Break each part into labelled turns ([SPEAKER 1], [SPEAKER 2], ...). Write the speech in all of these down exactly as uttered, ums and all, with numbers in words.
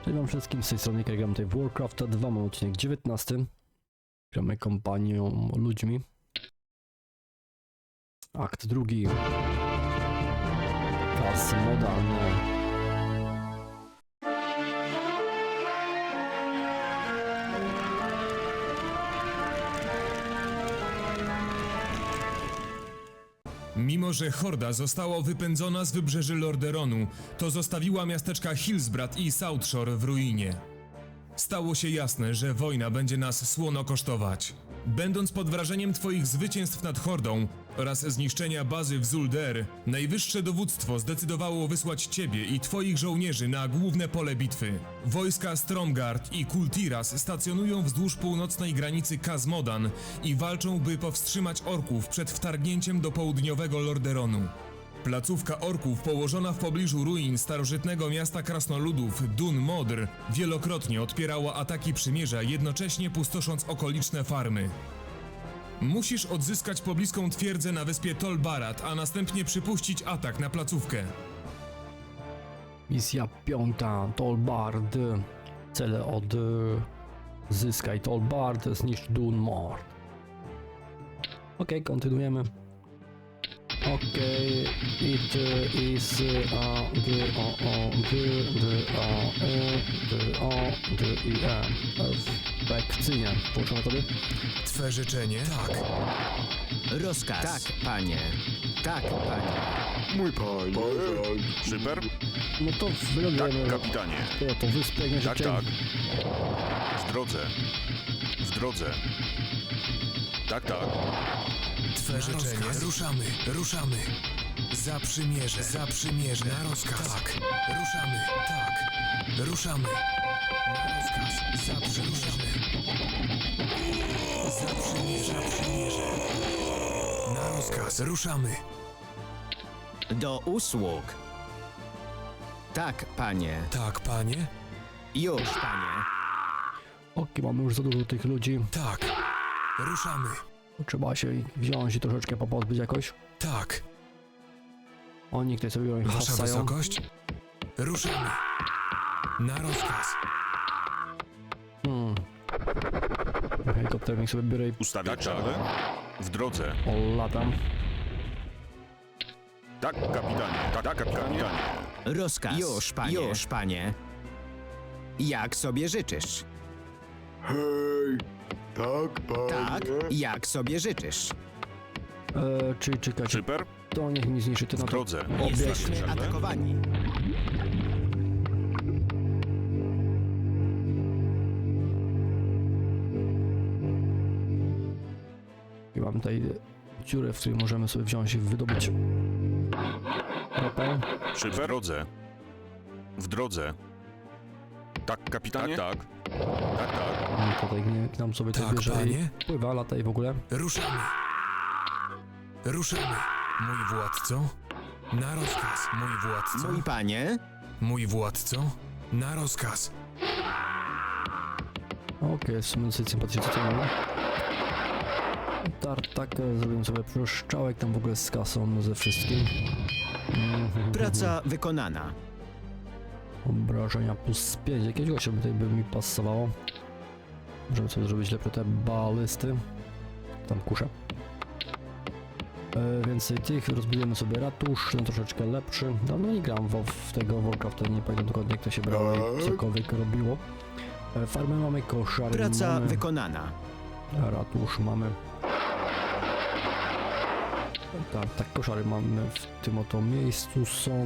[SPEAKER 1] Cześć wam wszystkim, z tej strony Gram tutaj w Warcrafta dwa, mam odcinek dziewiętnasty. Gramy kompanią ludźmi. Akt drugi. Klas modalny.
[SPEAKER 2] Mimo że horda została wypędzona z wybrzeży Lordaeronu, to zostawiła miasteczka Hillsbrad i Southshore w ruinie. Stało się jasne, że wojna będzie nas słono kosztować. Będąc pod wrażeniem twoich zwycięstw nad hordą oraz zniszczenia bazy w Zul'Dare, najwyższe dowództwo zdecydowało wysłać ciebie i twoich żołnierzy na główne pole bitwy. Wojska Stromgarde i Kultiras stacjonują wzdłuż północnej granicy Khazmodan i walczą, by powstrzymać orków przed wtargnięciem do południowego Lordaeronu. Placówka orków położona w pobliżu ruin starożytnego miasta krasnoludów Dun Modr wielokrotnie odpierała ataki przymierza, jednocześnie pustosząc okoliczne farmy. Musisz odzyskać pobliską twierdzę na wyspie Tol Barad, a następnie przypuścić atak na placówkę.
[SPEAKER 1] Misja piąta. Tol Barad. Cele od... Zyskaj Tol Barad, zniszcz Dun Modr. Okej, okay, kontynuujemy. Okej, okay, it is a d o o d d o e d o d i e perfekcyjnie. Połączone tobie?
[SPEAKER 2] Twe życzenie? Tak.
[SPEAKER 3] Rozkaz. Tak, panie. Tak, panie.
[SPEAKER 4] Mój panie. Szyper?
[SPEAKER 1] No to wylądujemy.
[SPEAKER 4] Tak, kapitanie.
[SPEAKER 1] To, to wyspę jak
[SPEAKER 4] Tak,
[SPEAKER 1] najszybciej.
[SPEAKER 4] tak. W drodze. W drodze. Tak, tak.
[SPEAKER 2] Twe życzenie? Ruszamy, ruszamy. Za przymierze, za przymierze. Na rozkaz. Tak. Ruszamy, tak. Ruszamy. Na rozkaz. Za przymierze. Za przymierze, za przymierze. Na rozkaz. Ruszamy.
[SPEAKER 3] Do usług. Tak, panie.
[SPEAKER 2] Tak, panie?
[SPEAKER 3] Już, panie.
[SPEAKER 1] Okej, mamy już za dużo tych ludzi.
[SPEAKER 2] Tak. Ruszamy.
[SPEAKER 1] Trzeba się ich wziąć i troszeczkę popozbyć jakoś.
[SPEAKER 2] Tak.
[SPEAKER 1] Oni tutaj sobie ich
[SPEAKER 2] Wasza
[SPEAKER 1] hasają.
[SPEAKER 2] wysokość? Ruszamy. Na rozkaz.
[SPEAKER 1] Hmm. Helikopterem sobie biorę i
[SPEAKER 4] Ustawić tak, czarne? W drodze.
[SPEAKER 1] latam.
[SPEAKER 4] Tak, kapitanie. Tak, tak, kapitanie.
[SPEAKER 3] Rozkaz. Już, panie. Już, panie. Jak sobie życzysz?
[SPEAKER 5] Hej, tak, panie.
[SPEAKER 3] Tak, jak sobie życzysz?
[SPEAKER 1] Eee, czyli czekajcie,
[SPEAKER 4] Szyper?
[SPEAKER 1] to niech mi zniszczy ty
[SPEAKER 4] W
[SPEAKER 1] na to.
[SPEAKER 4] drodze.
[SPEAKER 3] Jesteśmy
[SPEAKER 4] Czarne?
[SPEAKER 3] atakowani.
[SPEAKER 1] I mam tutaj dziurę, w której możemy sobie wziąć i wydobyć ropę.
[SPEAKER 4] Szyper? W drodze. W drodze. Tak, kapitanie? Tak, tak. Tak, tak.
[SPEAKER 1] I tutaj nie, tam sobie to
[SPEAKER 2] Tak,
[SPEAKER 1] bierze
[SPEAKER 2] panie?
[SPEAKER 1] i pływa, lata i w ogóle.
[SPEAKER 2] Ruszamy. Ruszamy. Mój władco? Na rozkaz. Mój władco?
[SPEAKER 3] Mój panie?
[SPEAKER 2] Mój władco? Na rozkaz.
[SPEAKER 1] Okej, okay, w sumie dosyć sympatycznie to mamy. Tartakę, zrobimy sobie proszczałek tam w ogóle z kasą, ze wszystkim. Mhm.
[SPEAKER 3] Praca wykonana.
[SPEAKER 1] Obrażenia plus pięć, jakiegoś gościa by tutaj by mi pasowało. Możemy sobie zrobić lepsze te balisty. Tam kuszę. E, więcej tych, rozbudujemy sobie ratusz, ten troszeczkę lepszy. Dawno nie gram w, w tego Warcrafta, nie pamiętam dokładnie jak to się brało i cokolwiek robiło. E, farmę mamy, koszary
[SPEAKER 3] Praca
[SPEAKER 1] mamy,
[SPEAKER 3] wykonana.
[SPEAKER 1] ratusz mamy. Tak, tak, koszary mamy w tym oto miejscu są.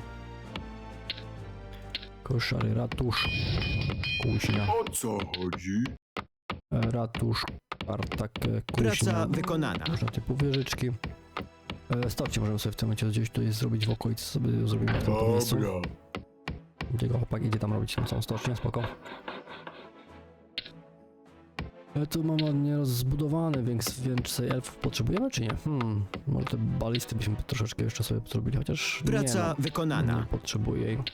[SPEAKER 1] Koszary, ratusz, kuźnia.
[SPEAKER 5] O co chodzi?
[SPEAKER 1] Ratusz, tartak, kuźnia.
[SPEAKER 3] Praca wykonana.
[SPEAKER 1] Różne typu wieżyczki. E, Stawcie możemy sobie w tym momencie gdzieś tutaj zrobić w okolicy, sobie zrobimy w tym miejscu.
[SPEAKER 5] Dobra.
[SPEAKER 1] Gdzie go chłopak idzie tam robić tą całą stocznię, spoko. E, tu mamy ładnie rozbudowane, więc więcej elfów potrzebujemy czy nie? Hmm, może te balisty byśmy troszeczkę jeszcze sobie zrobili, chociaż
[SPEAKER 3] Praca
[SPEAKER 1] nie, no,
[SPEAKER 3] wykonana.
[SPEAKER 1] nie potrzebuję jej.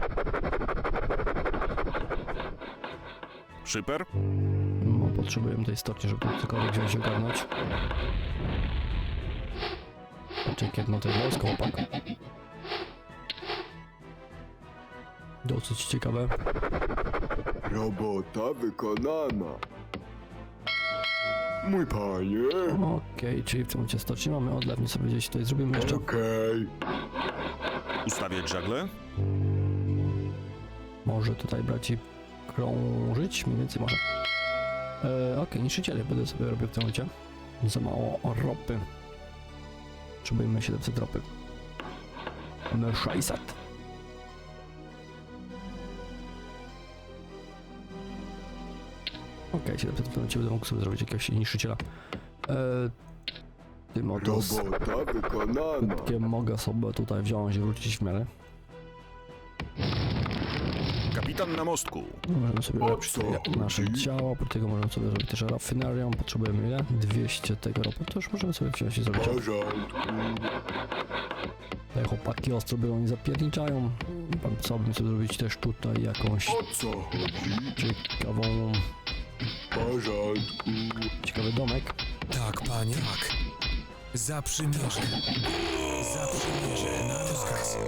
[SPEAKER 4] Szyper?
[SPEAKER 1] No, potrzebujemy tej stoczni, żeby tu cokolwiek wziąć i ogarnąć. Znaczy, jedno to jest wojsko, chłopak. Dosyć ciekawe.
[SPEAKER 5] Robota wykonana. Mój panie.
[SPEAKER 1] Okej, czyli w tym momencie starczy. Mamy odlew, nie sobie gdzieś tutaj zrobimy jeszcze.
[SPEAKER 5] Okej.
[SPEAKER 4] Ustawiać żagle?
[SPEAKER 1] Może tutaj brać i krążyć, mniej więcej może. E, Okej, niszczyciele będę sobie robił w tym momencie. Za mało ropy. Potrzebujemy siedemset ropy. Mamy sześćset. Okej, siedemset w tym momencie będę mógł sobie zrobić jakiegoś niszczyciela. E, tym oto z
[SPEAKER 5] Robota wykonana.
[SPEAKER 1] krótkiem mogę sobie tutaj wziąć i wrócić w miarę.
[SPEAKER 4] Kapitan na mostku.
[SPEAKER 1] Możemy sobie
[SPEAKER 5] O
[SPEAKER 1] ulepszyć
[SPEAKER 5] co
[SPEAKER 1] sobie nasze
[SPEAKER 5] chodzi?
[SPEAKER 1] ciało, po tego możemy sobie zrobić też rafinerią. Potrzebujemy ile? dwieście tego ropy, to już możemy sobie wziąć i
[SPEAKER 5] W
[SPEAKER 1] zrobić.
[SPEAKER 5] porządku.
[SPEAKER 1] Te chłopaki ostro biorą i zapierniczają. Pan co bym sobie zrobić też tutaj jakąś
[SPEAKER 5] O co chodzi?
[SPEAKER 1] ciekawą,
[SPEAKER 5] W porządku.
[SPEAKER 1] ciekawy domek.
[SPEAKER 2] Tak, panie. Tak. Za przymierze. Za przymierze. Na rozkaz.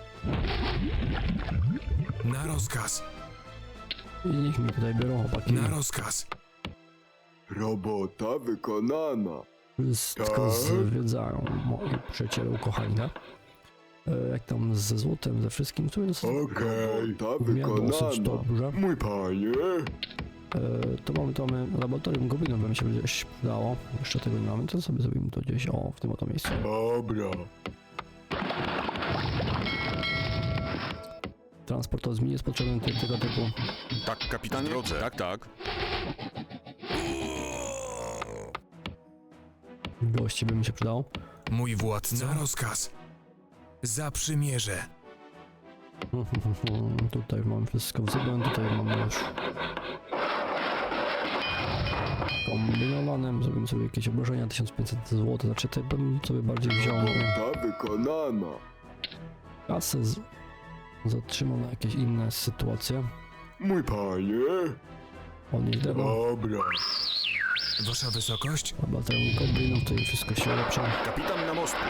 [SPEAKER 2] Na rozkaz.
[SPEAKER 1] I niech mi tutaj biorą chłopaki.
[SPEAKER 2] Na rozkaz.
[SPEAKER 5] Robota wykonana.
[SPEAKER 1] Wszystko
[SPEAKER 5] Tak.
[SPEAKER 1] zwiedzają moi przyjaciele ukochani, tak? E, Jak tam ze złotem, ze wszystkim, to jest
[SPEAKER 5] Okej. Robota
[SPEAKER 1] dosyć
[SPEAKER 5] wykonana.
[SPEAKER 1] dobrze.
[SPEAKER 5] Mój panie.
[SPEAKER 1] E, to mamy, to mamy laboratorium goblinów, by mi się gdzieś przydało. Jeszcze tego nie mamy, to sobie zrobimy to gdzieś, o, w tym oto miejscu.
[SPEAKER 5] Dobra.
[SPEAKER 1] Transport to jest potrzebny ty- tego typu.
[SPEAKER 4] Tak, kapitanie? W drodze. Tak, tak.
[SPEAKER 1] Gości by mi się przydało.
[SPEAKER 2] Mój władca. Na rozkaz. Za przymierze.
[SPEAKER 1] Tutaj mamy wszystko względem, tutaj mamy już kombinowane. Zrobimy sobie jakieś obrażenia, tysiąc pięćset złotych, znaczy tutaj bym sobie bardziej wziął
[SPEAKER 5] Robota wykonana.
[SPEAKER 1] kasę, z... zatrzymał na jakieś inne sytuacje.
[SPEAKER 5] Mój panie.
[SPEAKER 1] Odnieść drewno,
[SPEAKER 5] Dobra.
[SPEAKER 2] Wasza wysokość?
[SPEAKER 1] laboratorium goblinów, tutaj wszystko się ulepsza.
[SPEAKER 4] Kapitan na mostku.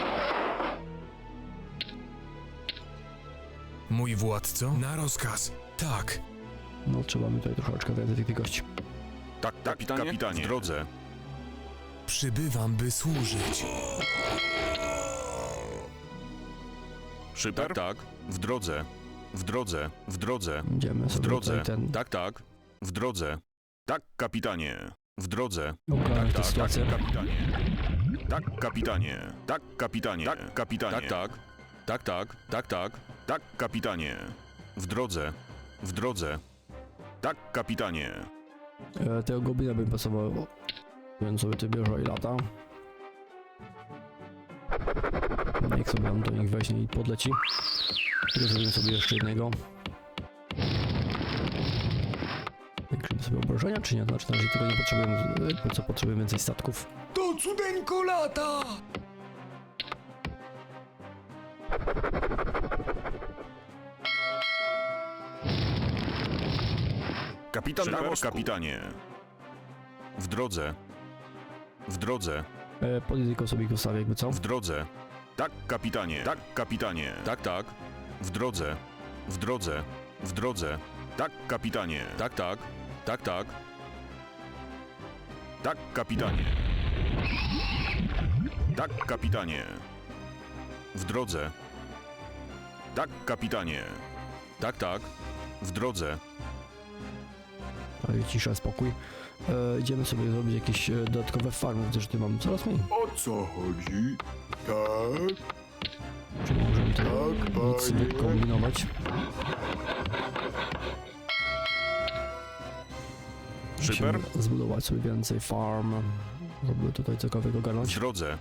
[SPEAKER 2] Mój władco? Na rozkaz. Tak.
[SPEAKER 1] No trzeba mi tutaj troszeczkę więcej tych, tych gości.
[SPEAKER 4] Tak, tak, kapitanie? Kapitanie. W drodze.
[SPEAKER 2] Przybywam, by służyć.
[SPEAKER 4] Szyper? Tak, tak. W drodze. W drodze. W drodze.
[SPEAKER 1] Idziemy
[SPEAKER 4] W
[SPEAKER 1] sobie
[SPEAKER 4] drodze.
[SPEAKER 1] tutaj ten,
[SPEAKER 4] Tak, tak. W drodze. Tak, kapitanie. W drodze.
[SPEAKER 1] ogarnąć tę
[SPEAKER 4] Tak, tak,
[SPEAKER 1] sytuację.
[SPEAKER 4] tak, kapitanie. Tak, kapitanie. Tak, kapitanie. Tak, kapitanie. Tak, tak. Tak, tak. Tak, tak. Tak, kapitanie. W drodze. W drodze. Tak, kapitanie.
[SPEAKER 1] E, tego goblina bym pasował, więc sobie ty bierze i lata. Niech sobie nam do nich weźmie i podleci. Tylko zrobimy sobie jeszcze jednego. Zwiększymy sobie obrażenia, czy nie? Znaczy, że tego nie potrzebujemy, jakby co potrzebujemy więcej statków.
[SPEAKER 5] To cudeńko lata.
[SPEAKER 4] Kapitan na mostku. Kapitanie. W drodze. W drodze.
[SPEAKER 1] E, Podjedź tylko sobie ich ustawię, jakby co?
[SPEAKER 4] W drodze. Tak, kapitanie. Tak, kapitanie. Tak, tak. W drodze. W drodze. W drodze. Tak, kapitanie. Tak, tak. Tak, tak. Tak, kapitanie. Tak, kapitanie. W drodze. Tak, kapitanie. Tak, tak. W drodze.
[SPEAKER 1] Ale cisza, spokój. E, idziemy sobie zrobić jakieś e, dodatkowe farmy, gdyż tu mamy coraz mniej.
[SPEAKER 5] O co chodzi? Tak.
[SPEAKER 1] Czyli możemy tutaj
[SPEAKER 5] Tak,
[SPEAKER 1] nic
[SPEAKER 5] panie.
[SPEAKER 1] wykombinować.
[SPEAKER 4] Szyper?
[SPEAKER 1] Musimy zbudować sobie więcej farm, żeby tutaj cokolwiek
[SPEAKER 4] W
[SPEAKER 1] ogarnąć.
[SPEAKER 4] drodze.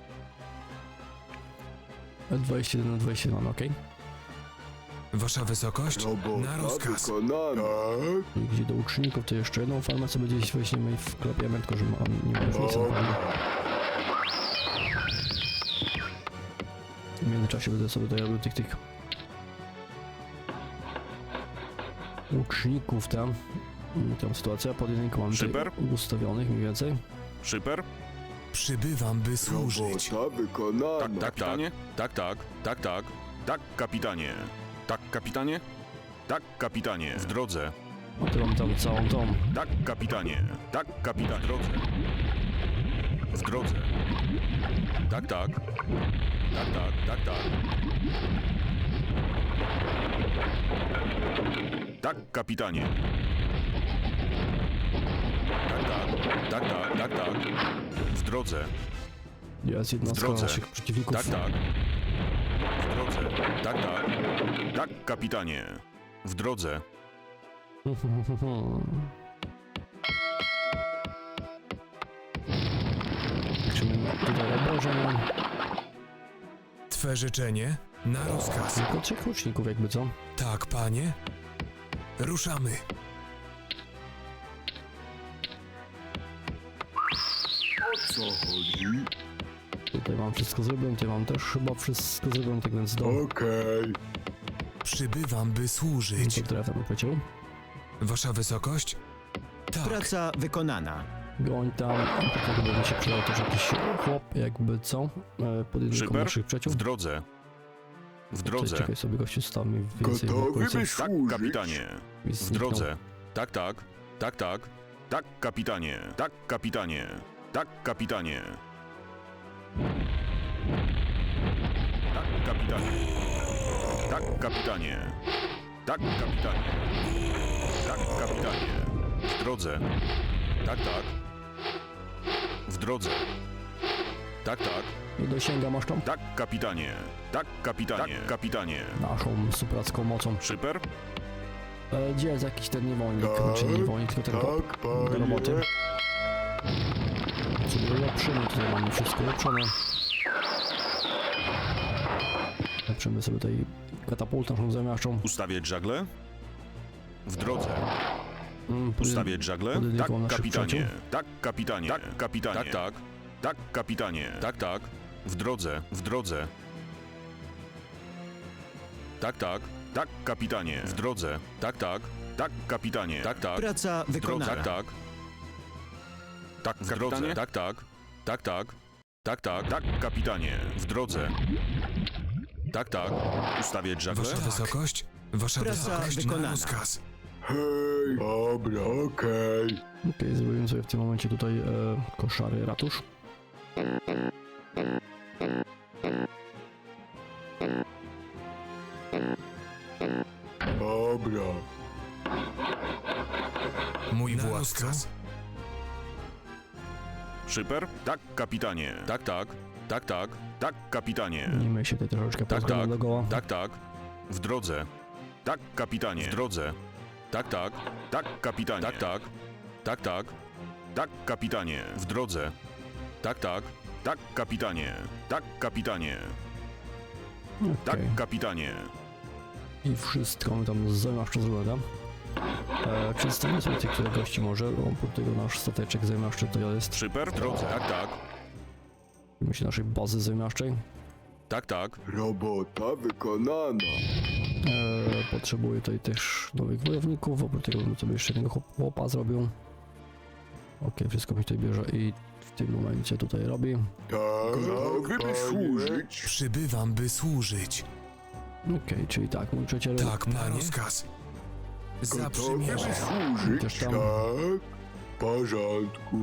[SPEAKER 1] dwadzieścia jeden na dwadzieścia jeden, ok?
[SPEAKER 2] Wasza wysokość? Na
[SPEAKER 5] Robota
[SPEAKER 2] rozkaz.
[SPEAKER 5] wykonana. Tak.
[SPEAKER 1] I gdzie do uczniów, to jeszcze jedną farmę sobie gdzieś weźmiemy i wklepiemy, tylko że mam, nie ma już nic na farmie. W międzyczasie będę sobie tutaj robił tych, tych łuczników tam. I tą sytuację pod jedynką mam tutaj
[SPEAKER 4] Szyper?
[SPEAKER 1] ustawionych mniej więcej.
[SPEAKER 4] Szyper?
[SPEAKER 2] Przybywam, by służyć.
[SPEAKER 5] Robota wykonana.
[SPEAKER 4] Tak, tak, kapitanie. Tak, tak. Tak, tak. Tak, kapitanie. Tak, kapitanie. Tak, kapitanie. W drodze.
[SPEAKER 1] A tu mam tam całą tą.
[SPEAKER 4] Tak, kapitanie. Tak, kapitan. W drodze. W drodze. Tak, tak. Tak, tak, tak, tak. Tak, kapitanie. Tak, tak. Tak, tak, tak, tak. W drodze.
[SPEAKER 1] Jest jednostka
[SPEAKER 4] drodze.
[SPEAKER 1] naszych przeciwników.
[SPEAKER 4] Tak, tak. W drodze. Tak, tak. Tak, kapitanie. W drodze.
[SPEAKER 1] Liczymy tutaj obrażenia.
[SPEAKER 2] Twe życzenie? Na rozkaz.
[SPEAKER 1] Tylko trzech łuczników jakby co?
[SPEAKER 2] Tak, panie. Ruszamy.
[SPEAKER 5] O co chodzi?
[SPEAKER 1] Tutaj mam wszystko zrobione, tutaj mam też chyba wszystko zrobione, tak więc do...
[SPEAKER 5] Okej.
[SPEAKER 2] Przybywam, by służyć.
[SPEAKER 1] Co teraz tam powiedział?
[SPEAKER 2] Wasza wysokość? Tak.
[SPEAKER 3] Praca wykonana.
[SPEAKER 1] Goń tam, a potem by się przydał też jakiś chłop, jakby co? E, pod jedynką
[SPEAKER 4] Szyper?
[SPEAKER 1] naszych przyjaciół.
[SPEAKER 4] W drodze. W drodze.
[SPEAKER 1] Czekaj sobie, gościu stał mi więcej w
[SPEAKER 5] Gotowy
[SPEAKER 1] okolicy.
[SPEAKER 5] by
[SPEAKER 4] Tak,
[SPEAKER 5] służyć?
[SPEAKER 4] kapitanie.
[SPEAKER 1] i
[SPEAKER 4] W
[SPEAKER 1] zniknął.
[SPEAKER 4] drodze. Tak, tak. Tak, tak. Tak, kapitanie. Tak, kapitanie. Tak, kapitanie. Tak, kapitanie. Tak, kapitanie. Tak, kapitanie. Tak, kapitanie. W drodze. Tak, tak. W drodze. Tak, tak.
[SPEAKER 1] Nie dosięga masz tą
[SPEAKER 4] Tak, kapitanie. Tak, kapitanie. Tak, kapitanie.
[SPEAKER 1] naszą superacką mocą.
[SPEAKER 4] Szyper?
[SPEAKER 1] E, gdzie jest jakiś ten niewolnik?
[SPEAKER 5] Tak,
[SPEAKER 1] Znaczy niewolnik, tylko ten chłop
[SPEAKER 5] Tak,
[SPEAKER 1] do
[SPEAKER 5] panie.
[SPEAKER 1] roboty. Sobie ulepszymy, tutaj mamy wszystko ulepszone. Ulepszymy sobie tutaj katapultę naszą zamiaszczą.
[SPEAKER 4] Ustawiać żagle? W drodze.
[SPEAKER 1] Mm, pod-
[SPEAKER 4] Ustawiać żagle?
[SPEAKER 1] pod
[SPEAKER 4] Tak,
[SPEAKER 1] jedynką naszych
[SPEAKER 4] kapitanie.
[SPEAKER 1] przyjaciół.
[SPEAKER 4] Tak, kapitanie. Tak, kapitanie. Tak, tak. Tak, kapitanie. Tak, tak. W drodze. W drodze. Tak, tak. Tak, kapitanie. W drodze. Tak, tak. Tak, kapitanie. Tak, tak.
[SPEAKER 3] Praca
[SPEAKER 4] W drodze.
[SPEAKER 3] wykonana.
[SPEAKER 4] Tak, tak. Tak, w drodze. Tak, tak. Tak, tak. Tak, tak. Tak, kapitanie. W drodze. Tak, tak. Ustawiać żagle?
[SPEAKER 2] Wasza wysokość? Wasza
[SPEAKER 3] Praca
[SPEAKER 2] wysokość? Na
[SPEAKER 3] wykonana.
[SPEAKER 2] rozkaz.
[SPEAKER 5] Hej, dobra, okej.
[SPEAKER 1] Okej, zrobimy sobie w tym momencie tutaj e, koszary ratusz.
[SPEAKER 5] Dobra.
[SPEAKER 2] Mój władca.
[SPEAKER 4] Szyper? Tak, kapitanie. Tak, tak. Tak, tak. Tak, kapitanie.
[SPEAKER 1] Nie my się tutaj troszeczkę
[SPEAKER 4] Tak,
[SPEAKER 1] pozgramy
[SPEAKER 4] tak.
[SPEAKER 1] do goła.
[SPEAKER 4] Tak, tak. W drodze. Tak, kapitanie. W drodze. Tak, tak. Tak, kapitanie. Tak, tak. Tak, tak. Tak, kapitanie. W drodze. Tak, tak. Tak, kapitanie. Tak, kapitanie. Tak,
[SPEAKER 1] Okej.
[SPEAKER 4] kapitanie.
[SPEAKER 1] I wszystko my tam zamiaszczo zrobione. E, przedstawimy sobie tych, które gości może, oprócz tego nasz stateczek zamiaszczy tutaj jest.
[SPEAKER 4] Szyper? W drodze. Tak, tak.
[SPEAKER 1] Myślę naszej bazy zamiaszczej.
[SPEAKER 4] Tak, tak.
[SPEAKER 5] Robota wykonana.
[SPEAKER 1] E, potrzebuję tutaj też nowych wojowników, oprócz tego bym sobie jeszcze jednego chłop- chłopa zrobił. Okej, wszystko mi tutaj bierze i w tym momencie tutaj robi.
[SPEAKER 5] Tak,
[SPEAKER 3] Gotowy by
[SPEAKER 5] panie.
[SPEAKER 3] służyć.
[SPEAKER 2] Przybywam, by służyć.
[SPEAKER 1] Okej, czyli tak, mój przyjaciel.
[SPEAKER 2] Tak, na
[SPEAKER 1] panie.
[SPEAKER 2] rozkaz.
[SPEAKER 5] Gotowy by
[SPEAKER 2] Zaprzymierze.
[SPEAKER 1] Też
[SPEAKER 5] służyć.
[SPEAKER 1] tam.
[SPEAKER 5] Tak, w porządku.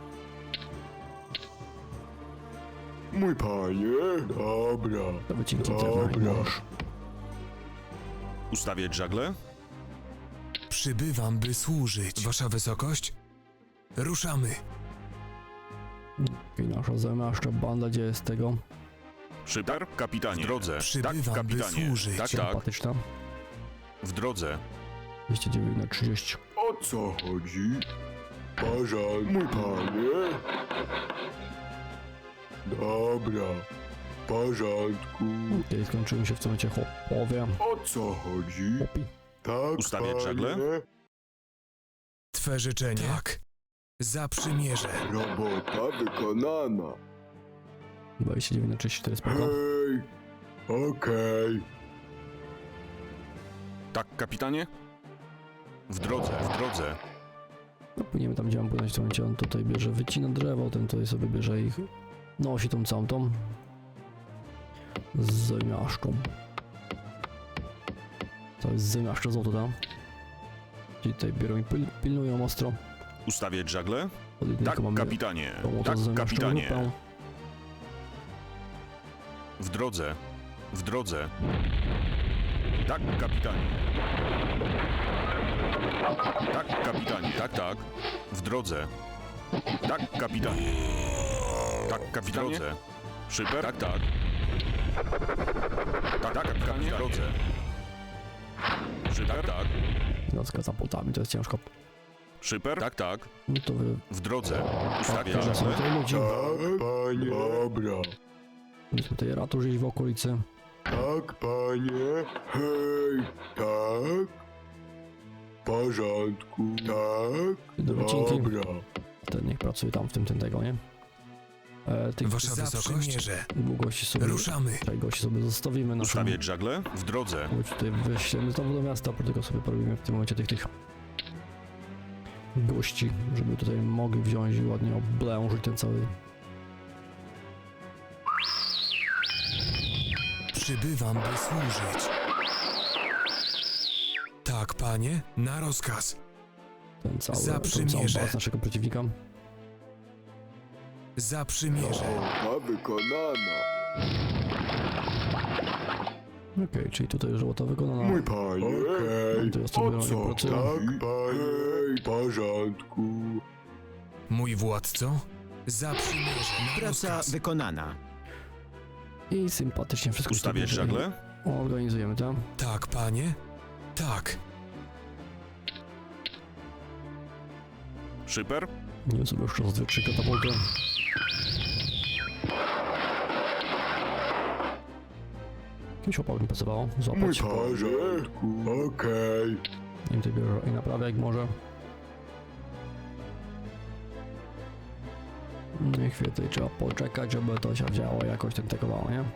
[SPEAKER 5] Mój panie, dobra.
[SPEAKER 1] To wycinam
[SPEAKER 5] Dobra.
[SPEAKER 1] ten nóż.
[SPEAKER 4] Ustawiać żagle?
[SPEAKER 2] Przybywam, by służyć. Wasza wysokość? Ruszamy.
[SPEAKER 1] Okej, nasza zamiaszcza banda, gdzie jest tego?
[SPEAKER 4] Szyper? Kapitanie. W drodze.
[SPEAKER 2] Przybywam,
[SPEAKER 4] Tak,
[SPEAKER 2] by
[SPEAKER 4] kapitanie.
[SPEAKER 2] służyć.
[SPEAKER 4] Tak, tak.
[SPEAKER 1] Sympatyczna.
[SPEAKER 4] W drodze.
[SPEAKER 1] dwieście dziewięć na trzydzieści.
[SPEAKER 5] O co chodzi? Porządku. Mój panie. Dobra. W porządku.
[SPEAKER 1] Okej, skończyły się w tym momencie chłopowie.
[SPEAKER 5] O co chodzi?
[SPEAKER 1] Chłopi.
[SPEAKER 5] Tak,
[SPEAKER 4] Ustawiać
[SPEAKER 5] panie.
[SPEAKER 4] żagle?
[SPEAKER 2] Twe życzenie? Tak. Zaprzymierze.
[SPEAKER 5] Robota wykonana.
[SPEAKER 1] dwadzieścia dziewięć na trzydzieści cztery, spoko.
[SPEAKER 5] Hej. Okej.
[SPEAKER 4] Tak, kapitanie? W drodze, w drodze.
[SPEAKER 1] No płyniemy tam, gdzie mam płynąć w tym momencie. On tutaj bierze, wycina drzewo, ten tutaj sobie bierze ich, nosi tą całą tą z zamiaszką. To jest zamiaszcza złoto tam. Ci tutaj biorą i pil pilnują ostro.
[SPEAKER 4] Ustawiać żagle?
[SPEAKER 1] Od jednego
[SPEAKER 4] Tak,
[SPEAKER 1] mamy
[SPEAKER 4] kapitanie.
[SPEAKER 1] tą oto
[SPEAKER 4] Tak,
[SPEAKER 1] zamiaszczą
[SPEAKER 4] kapitanie.
[SPEAKER 1] grupę.
[SPEAKER 4] W drodze. W drodze. Tak, kapitanie. Tak, kapitanie. Tak, tak. W drodze. Tak, kapitanie. Tak, kapitanie. W drodze. Szyper? Tak, tak. Tak, tak, kapitanie. W drodze. Szyper? Tak, tak.
[SPEAKER 1] Nocka za płotami, to jest ciężko.
[SPEAKER 4] Szyper? Tak, tak.
[SPEAKER 1] No to wy...
[SPEAKER 4] W drodze. Ustawiać
[SPEAKER 1] Pokażę sobie
[SPEAKER 4] żagle?
[SPEAKER 1] tutaj ludzi.
[SPEAKER 5] Tak, panie. Dobra.
[SPEAKER 1] Mieliśmy tutaj ratusz gdzieś w okolicy.
[SPEAKER 5] Tak, panie. Hej, tak. W porządku. Tak.
[SPEAKER 1] Do wycinki.
[SPEAKER 5] Dobra.
[SPEAKER 1] Ten niech pracuje tam w tym, tym tego, nie? E, tych
[SPEAKER 2] Wasza wysokość,
[SPEAKER 1] długości sobie...
[SPEAKER 2] ruszamy.
[SPEAKER 1] Tutaj gości sobie zostawimy naszą...
[SPEAKER 4] Ustawiać żagle? W drodze.
[SPEAKER 1] Chodź tutaj wyślemy znowu do miasta, po tylko sobie porobimy w tym momencie tych tych gości, żeby tutaj mogli wziąć i ładnie oblężyć ten cały...
[SPEAKER 2] Przybywam, by służyć. Tak, panie, na rozkaz.
[SPEAKER 1] ten cały...
[SPEAKER 2] Za
[SPEAKER 1] tą całą
[SPEAKER 2] przymierze.
[SPEAKER 1] bazę naszego przeciwnika.
[SPEAKER 2] Za przymierze.
[SPEAKER 5] Robota wykonana.
[SPEAKER 1] Okej, czyli tutaj żołota wykonana.
[SPEAKER 5] Mój panie. Okej.
[SPEAKER 1] To jest to
[SPEAKER 5] O
[SPEAKER 1] biorą i
[SPEAKER 5] co?
[SPEAKER 1] pracują.
[SPEAKER 5] Tak, panie. Hej, w porządku.
[SPEAKER 2] Mój władco, za przymierze. Na
[SPEAKER 3] Praca
[SPEAKER 2] rozkaz.
[SPEAKER 3] wykonana.
[SPEAKER 1] I sympatycznie wszystko
[SPEAKER 4] Ustawiać
[SPEAKER 1] tutaj
[SPEAKER 4] żagle?
[SPEAKER 1] organizujemy, tak?
[SPEAKER 2] Tak, panie, tak.
[SPEAKER 4] Szyper?
[SPEAKER 1] Nie sobie jeszcze raz dwie, trzy katapulty. Jakimś opał mi pasowało,
[SPEAKER 5] Mój
[SPEAKER 1] złapać.
[SPEAKER 5] panie. W porządku. Okej.
[SPEAKER 1] I tutaj bierze i naprawia jak może. No i chwilę tutaj trzeba poczekać, żeby to się działo jakoś ten tekowało, nie?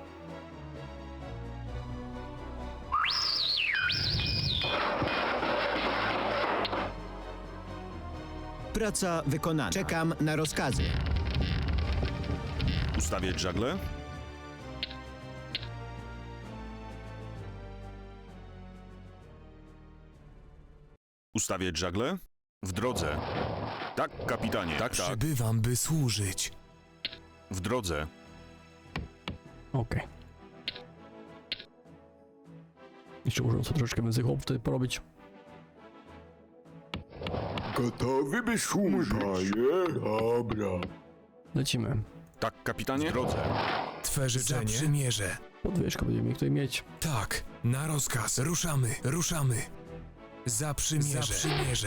[SPEAKER 3] Praca wykonana. Czekam na rozkazy.
[SPEAKER 4] Ustawiać żagle? Ustawiać żagle? W drodze. Tak, kapitanie. Tak, tak.
[SPEAKER 2] Przybywam, by służyć.
[SPEAKER 4] W drodze.
[SPEAKER 1] Okej. Jeszcze muszę sobie troszeczkę więcej chłopów tutaj porobić.
[SPEAKER 5] Gotowy by służyć. Mój panie. Dobra.
[SPEAKER 1] Lecimy.
[SPEAKER 4] Tak, kapitanie. W drodze.
[SPEAKER 2] Twe życzenie. Za przymierze.
[SPEAKER 1] Podwyżkę będziemy mieli tutaj mieć.
[SPEAKER 2] Tak, na rozkaz. Ruszamy, ruszamy. Za przymierze. Za przymierze.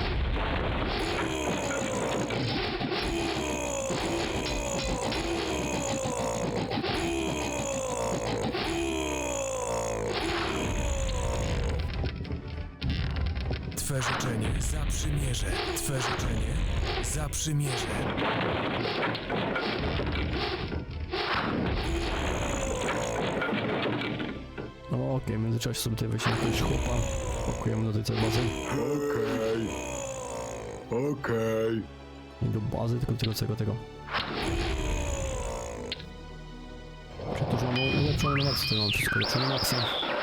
[SPEAKER 2] Twe życzenie. Za przymierze. Twe życzenie. Za przymierze.
[SPEAKER 1] No okej, w międzyczasie sobie tutaj weźmiemy jakiegoś chłopa. Pakujemy do tej całej bazy.
[SPEAKER 5] Okej. Okej.
[SPEAKER 1] Nie do bazy, tylko do tego całego tego. Czyli to, że mamy ulepszone na maksa, tutaj mam wszystko ulepszone na maksa.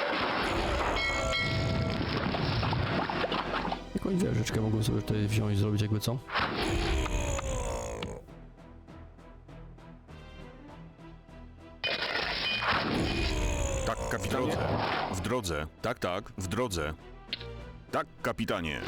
[SPEAKER 1] Jakąś wieżyczkę mogłem sobie tutaj wziąć i zrobić jakby co.
[SPEAKER 4] Tak, kapitanie. W drodze. Tak, tak. W drodze. Tak, kapitanie.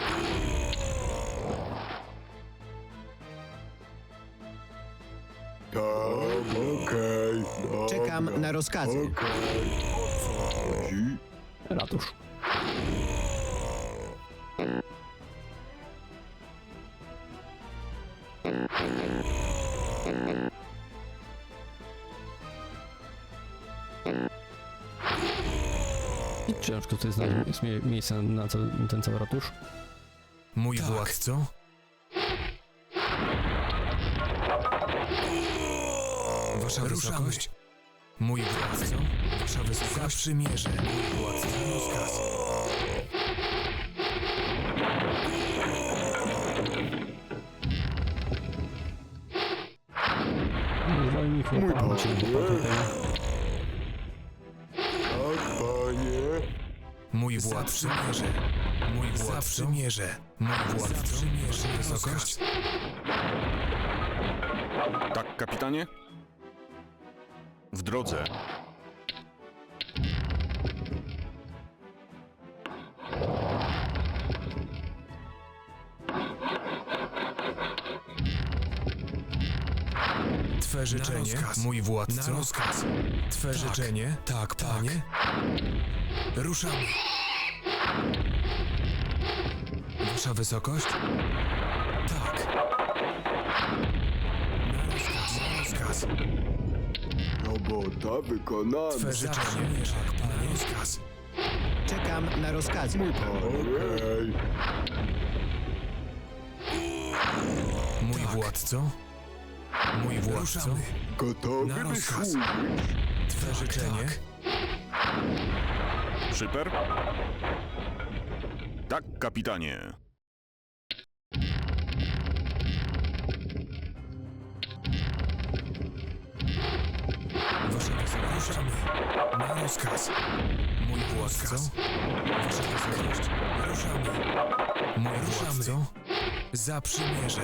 [SPEAKER 5] Tak, okej. Dobra.
[SPEAKER 3] Czekam na rozkazy.
[SPEAKER 5] Okej. O co chodzi?
[SPEAKER 1] Ratusz. I ciężko tutaj znaleźć mie miejsce na cały, ten cały ratusz.
[SPEAKER 2] Mój władco. Wasza wysokość. Mój władco. Wasza wysokość. Za przymierze. Mój władco. Rozkaz.
[SPEAKER 1] Zwolnij chłopa,
[SPEAKER 5] Mój
[SPEAKER 1] bo cię
[SPEAKER 5] panie.
[SPEAKER 1] chłopa tutaj.
[SPEAKER 5] Tak, panie.
[SPEAKER 2] Mój
[SPEAKER 6] Mój władco. Mój władco. Zaprzymierze. Mój władco. Zaprzymierze. Wysokość.
[SPEAKER 4] Tak, kapitanie? W drodze.
[SPEAKER 6] Twe życzenie, mój władco. Na rozkaz. Twe tak. życzenie, tak, panie. Ruszamy. Wasza wysokość? Tak. Na rozkaz, na rozkaz.
[SPEAKER 5] Robota wykonana.
[SPEAKER 6] Twe życzenie, tak, panie. Rozkaz.
[SPEAKER 3] Czekam na rozkazy. Mój panie.
[SPEAKER 5] Okej.
[SPEAKER 6] Mój władco. Mój władco.
[SPEAKER 5] Okay. Gotowy
[SPEAKER 6] Na
[SPEAKER 5] by
[SPEAKER 6] rozkaz.
[SPEAKER 5] służyć.
[SPEAKER 6] Twe życzenie.
[SPEAKER 4] Szyper? Tak, kapitanie.
[SPEAKER 6] Wasza wysokość. Ruszamy. Na rozkaz. Mój władco. Wasza wysokość. Ruszamy. Mój władco. Zaprzymierze.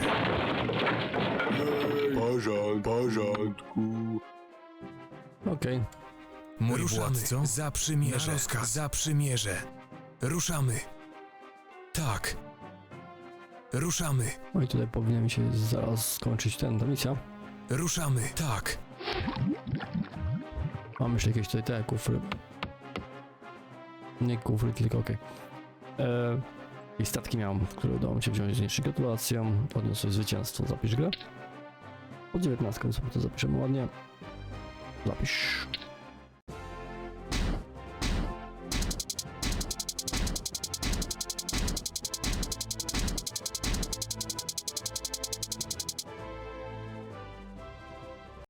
[SPEAKER 5] Porząd, porządku.
[SPEAKER 1] Okej.
[SPEAKER 6] Mój władco. Zaprzymierze. Na rozkaz. Zaprzymierze. Ruszamy. Tak. Ruszamy.
[SPEAKER 1] No i tutaj powinien mi się zaraz skończyć ten, ta misja.
[SPEAKER 6] Ruszamy. Tak.
[SPEAKER 1] Mam jeszcze jakieś tutaj te kufry. Nie kufry, tylko okej. Okay. I statki miałem, które udało mi się wziąć z niższą gratulacją. Odniosłeś zwycięstwo, zapisz grę. Pod dziewiętnastką sobie to zapiszemy ładnie. Zapisz.